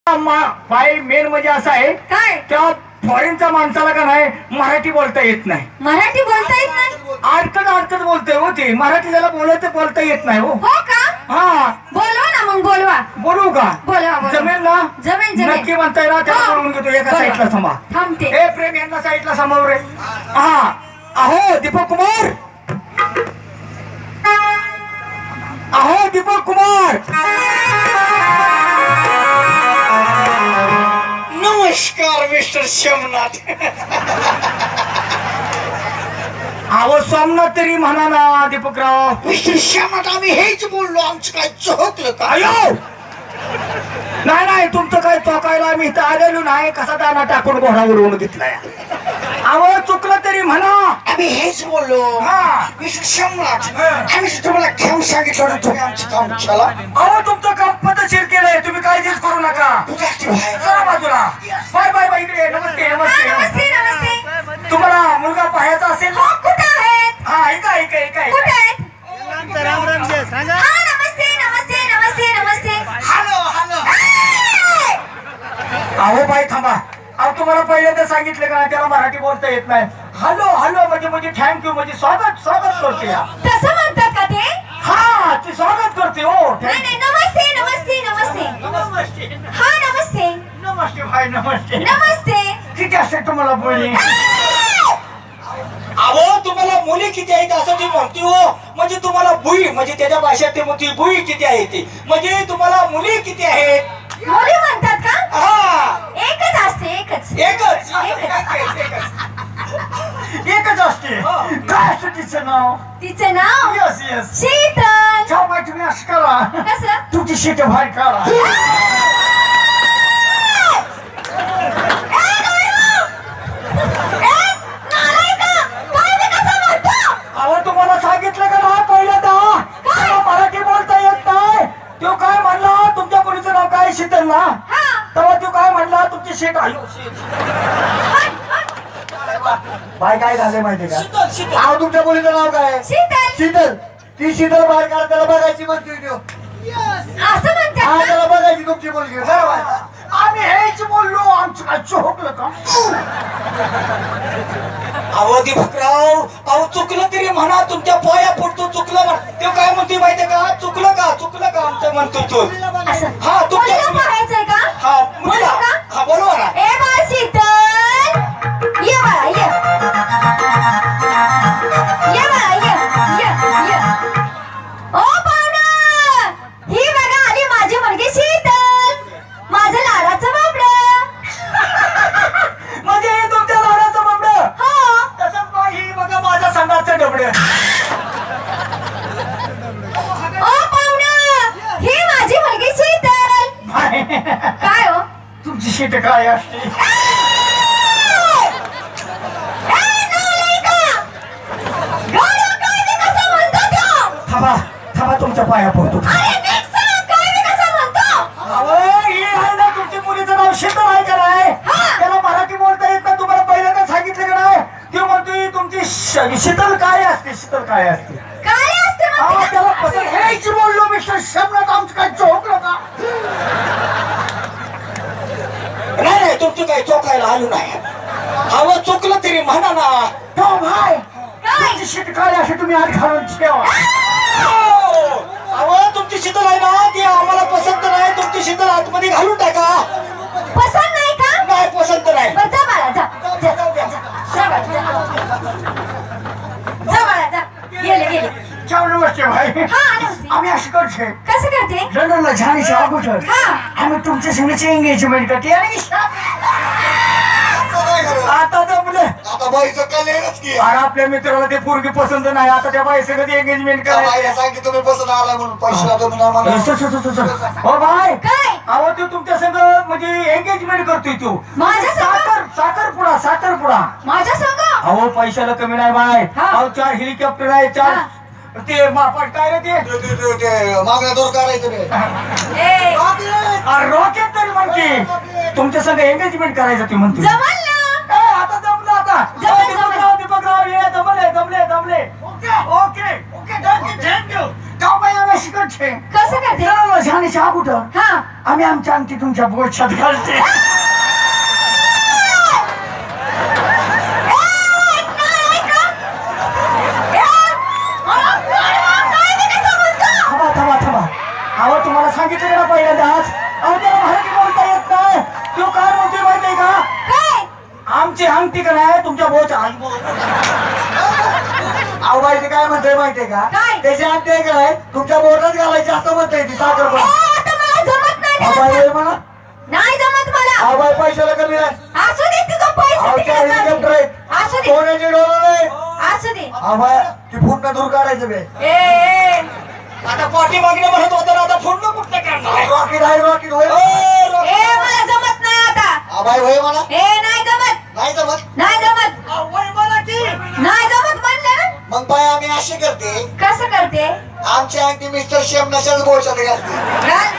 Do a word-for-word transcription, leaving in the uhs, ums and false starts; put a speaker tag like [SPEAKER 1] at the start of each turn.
[SPEAKER 1] बाई मेन म्हणजे असं आहे
[SPEAKER 2] काय
[SPEAKER 1] त्या फॉरेनच्या माणसाला का नाही मराठी बोलता येत नाही.
[SPEAKER 2] मराठी बोलता येत नाही.
[SPEAKER 1] अडकत अडकत बोलतोय हो ते. मराठी त्याला बोलायचं बोलता येत नाही हो.
[SPEAKER 2] हो का?
[SPEAKER 1] हा
[SPEAKER 2] बोलवा ना मग बोलवा.
[SPEAKER 1] बोलू का?
[SPEAKER 2] बोलवा बोलवा.
[SPEAKER 1] जमेल ना?
[SPEAKER 2] जमेल जमेल.
[SPEAKER 1] नक्की म्हणताय ना? त्याला
[SPEAKER 2] हो.
[SPEAKER 1] बोलवून घेतो एका साईडला थांबा.
[SPEAKER 2] थांबते.
[SPEAKER 1] ए प्रेम यांना साईडला समोर रे. हा अहो दीपक कुमार. अहो दीपक कुमार.
[SPEAKER 3] नमस्कार मिस्टर सोमनाथ.
[SPEAKER 1] अहो सोमनाथ तरी म्हणा ना दीपकराव.
[SPEAKER 3] मिस्टर सोमनाथ आम्ही हेच बोललो. आमचं काय चोकलं का?
[SPEAKER 1] अयो नाही नाही तुमचं काय चौकायला आम्ही इथं आलेलो नाही. कसा दाना टाकून घोडा उडवून घेतलाय. अहो चुकलं तरी म्हणा.
[SPEAKER 3] आम्ही हेच बोललो.
[SPEAKER 1] हा
[SPEAKER 3] मिस्टर सोमनाथ आम्ही तुम्हाला काम सांगितलं होतं, तुम्ही आमचं काम केलं.
[SPEAKER 1] अहो तुमचं काम पद्धतशीर केलंय. तुम्ही काळजीच करू नका. चला बाजूला. Bye bye bye. इकडे नमस्ते
[SPEAKER 2] हा,
[SPEAKER 1] नमस्ते
[SPEAKER 2] नमस्ते नमस्ते.
[SPEAKER 1] तुम्हाला मुलगा पाहायचा असेल
[SPEAKER 2] हो, कुठं आहेत?
[SPEAKER 1] हा ऐका ऐका ऐका
[SPEAKER 2] कुठं
[SPEAKER 1] ऐका.
[SPEAKER 2] आहेत? हा, नमस्ते नमस्ते नमस्ते नमस्ते.
[SPEAKER 3] Hello hello.
[SPEAKER 2] ए!
[SPEAKER 1] अहो बाई थांबा. अहो तुम्हाला पहिल्यांदा सांगितलं का त्याला मराठी बोलता येत नाही. हॅलो हॅलो म्हणजे म्हणजे थँक्यू म्हणजे स्वागत स्वागत करते या.
[SPEAKER 2] तसं म्हणतात का ते?
[SPEAKER 1] हा ती स्वागत करते हो.
[SPEAKER 2] नाही नाही नमस्ते नमस्ते नमस्ते.
[SPEAKER 1] नमस्ते
[SPEAKER 2] हा नमस्ते
[SPEAKER 1] नमस्ते भाई नमस्ते.
[SPEAKER 2] नमस्ते.
[SPEAKER 1] किती असते तुम्हाला मुली?
[SPEAKER 2] ए!
[SPEAKER 1] अहो तुम्हाला मुली किती आहेत असं ती म्हणते हो. म्हणजे तुम्हाला बुई म्हणजे त्याच्या भाषेत ते म्हणते बुई किती आहे ती म्हणजे तुम्हाला मुली किती आहेत.
[SPEAKER 2] मुली म्हणतात का?
[SPEAKER 1] हा
[SPEAKER 2] एकच असते एकच.
[SPEAKER 1] एकच
[SPEAKER 2] एकच.
[SPEAKER 1] एकच असते. काय असतं तिचं नाव?
[SPEAKER 2] तिचं नाव
[SPEAKER 1] यस यस.
[SPEAKER 2] शीतल.
[SPEAKER 1] जाऊ बाई तुम्ही असं करा.
[SPEAKER 2] कसं?
[SPEAKER 1] तुमची शीट बाहेर काढा. अहो तुम्हाला सांगितलं का ना पहिल्यांदा त्याला मराठी बोलता येत नाही. तो काय म्हणला तुमच्या मुलीचं नाव काय शीतल ना. तेव्हा तो काय म्हणला तुमची शीट आयो बाय काय झाले माहिती का? अहो तुमच्या मुलीचं नाव काय?
[SPEAKER 2] शीतल.
[SPEAKER 1] शीतल. ती शीतल बाहेर काढ. त्याला बघायची म्हणतोय तो.
[SPEAKER 2] असं
[SPEAKER 1] हा
[SPEAKER 2] म्हणतात
[SPEAKER 1] त्याला बघायची तुमची मुलगी. आम्ही हेच बोललो. आमचं काय चोकलं का? अहो दीपकराव अहो चुकलं तरी म्हणा. तुमच्या पाया पडतो. चुकलं म्हणा. तो काय म्हणतोय माहितीये का? चुकलं का चुकलं का आमचं म्हणतोय तो.
[SPEAKER 2] असं.
[SPEAKER 1] हा तुमच्या
[SPEAKER 2] मुलीला पाहायचंय का?
[SPEAKER 1] हा मुलीला.
[SPEAKER 2] बोलू का?
[SPEAKER 1] हा बोलवा ना.
[SPEAKER 2] ए बाळ शीतल ये बाळा ये ये बाळा ये ये ये. ओ पाहुणा ही बघा आली माझी मुलगी शीतल. माझं लाडाचं बाबडं.
[SPEAKER 1] म्हणजे हे तुमच्या लाडाचं बाबडं.
[SPEAKER 2] हो
[SPEAKER 1] तसंच बा ही बघा माझ्या संडाचं डबडं.
[SPEAKER 2] ओ पाहुणा ही माझी मुलगी शीतल. काय हो?
[SPEAKER 1] तुमची शीट काय असते?
[SPEAKER 2] ए, नालायका! गाढव काय बी कसं म्हणतो त्यो?
[SPEAKER 1] थांबा थांबा तुमच्या पाया पडतो.
[SPEAKER 2] अरे नीट सांग, काय बी कसं म्हणतो?
[SPEAKER 1] अहो ही आहे ना तुमची मुलीचं नाव शीतल आहे का नाही?
[SPEAKER 2] हा.
[SPEAKER 1] त्याला मराठी बोलता येत नाही. तुम्हाला पहिल्यांदा सांगितलं का नाही? ते म्हणतोय तुमची श- शीतल काय असते? शीतल काय असते?
[SPEAKER 2] काय असते
[SPEAKER 1] हा
[SPEAKER 2] म्हणते?
[SPEAKER 1] त्याला पसंत हेच बोललो मिस्टर शमनाथ. आमचं काय चोकलं का? नाही नाही तुमचं काही चोकायला आलो नाही. अहो चुकलं तरी म्हणा ना. हो भाई तुमची शीट काय असे तुम्ही आत घालून ठेवा. अहो तुमची शीतल आहे ना ती आम्हाला पसंत नाही. तुमची शीतल आतमध्ये घालून टाका.
[SPEAKER 2] पसंत नाही का?
[SPEAKER 1] नाही पसंत नाही.
[SPEAKER 2] बरं, जा बाळा जा जा जा जा. जा बाळा, जा. जा बाळा जा. गेले गेले.
[SPEAKER 1] छान नमस्ते भाई.
[SPEAKER 2] हा नमस्ते.
[SPEAKER 1] आम्ही अशी करते
[SPEAKER 2] कसं करते?
[SPEAKER 1] लग्नाला जाण्याच्या अगोदर
[SPEAKER 2] हा.
[SPEAKER 1] आम्ही तुमच्या संगीची एंगेजमेंट करते आणि आता जमलं.
[SPEAKER 3] आता बाईचं कलेच की.
[SPEAKER 1] आणि आपल्या मित्राला ते पोरगी पसंत नाही. आता त्या बाई सगळं एंगेजमेंट
[SPEAKER 3] त्या
[SPEAKER 1] करायचं.
[SPEAKER 3] बाईला सांगितलं तुम्ही बसून आला म्हणून पैसे तुम्ही नाही म्हणा.
[SPEAKER 1] स- स- स- स- स. हो बाय
[SPEAKER 2] काय?
[SPEAKER 1] अहो तू तुमच्या संग म्हणजे एंगेजमेंट करतोय तू.
[SPEAKER 2] माझ्या संग?
[SPEAKER 1] साखर साखरपुडा साखरपुडा.
[SPEAKER 2] माझ्या संग?
[SPEAKER 1] अहो पैशाला कमी नाही बाय.
[SPEAKER 2] हा.
[SPEAKER 1] अहो चार हेलिकॉप्टर आहे. चार
[SPEAKER 2] हा.
[SPEAKER 1] ते मापाट काय रे ते
[SPEAKER 3] ते- ते- ते- ते मागण्या दूर करायचं ते.
[SPEAKER 2] ए
[SPEAKER 1] रॉकेट तरी म्हणते. तुमच्या संग एंगेजमेंट करायचं ती म्हणते.
[SPEAKER 2] जमल ना?
[SPEAKER 1] ए, आता जमलं आता.
[SPEAKER 2] जमलं,
[SPEAKER 1] ओ, दीपकराव दीपकराव ये जमले जमले जमले. Okay okay okay thank you thank you. जाऊ बाई आम्ही शिकत छे.
[SPEAKER 2] कसं करते?
[SPEAKER 1] लग्नाला जाण्याच्या अगोदर
[SPEAKER 2] हा
[SPEAKER 1] आम्ही आमच्या अंगठी तुमच्या बोटशात घालते. थांबा थांबा थांबा. अहो तुम्हाला सांगितलं का ना पहिल्यांदाच, अहो त्याला मराठी बोलता येत नाही. तो काय म्हणतोय माहितीये का?
[SPEAKER 2] काय
[SPEAKER 1] आमची अंगठी का नाही तुमच्या बोट. अहो माहिती काय म्हणतोय माहितीये का?
[SPEAKER 2] काय?
[SPEAKER 1] त्याची अंगठी आहे का नाही तुमच्या बोटात घालायची असं म्हणतोय ती साखर
[SPEAKER 2] ए,
[SPEAKER 1] पण.
[SPEAKER 2] आता मला जमत नाही त्याला
[SPEAKER 1] अहो बाई
[SPEAKER 2] सांग.
[SPEAKER 1] म्हणा.
[SPEAKER 2] नाही जमत मला.
[SPEAKER 1] अहो बाई पैशाला कमी नाही.
[SPEAKER 2] असू दे तुझं पैसे
[SPEAKER 1] अहो
[SPEAKER 2] तिकडे
[SPEAKER 1] चार
[SPEAKER 2] जाऊ
[SPEAKER 1] हेलिकॉप्टर
[SPEAKER 2] दे.
[SPEAKER 1] आहेत.
[SPEAKER 2] असू दे
[SPEAKER 1] सोन्याचे डोळं नाही.
[SPEAKER 2] असू दे.
[SPEAKER 1] अहो बाई ती फुटणं दूर काढायचं बे.
[SPEAKER 2] ए, ए
[SPEAKER 1] आता पाठी मागणे म्हणत होतं ना, आता फुटणं कुठं काढणार? रॉकेट आहे रॉकेट होय.
[SPEAKER 2] ए, मला जमत नाही आता.
[SPEAKER 3] आबाई होय मला
[SPEAKER 2] ए नाही जमत
[SPEAKER 3] नाही जमत.
[SPEAKER 2] नाही जमत नाही जमत म्हणलं ना.
[SPEAKER 3] मग बाय आम्ही अशी करते,
[SPEAKER 2] कसं करते?
[SPEAKER 3] आमची अंगठी मिस्टर शेम नशाच बोलशात घालते.
[SPEAKER 2] घाल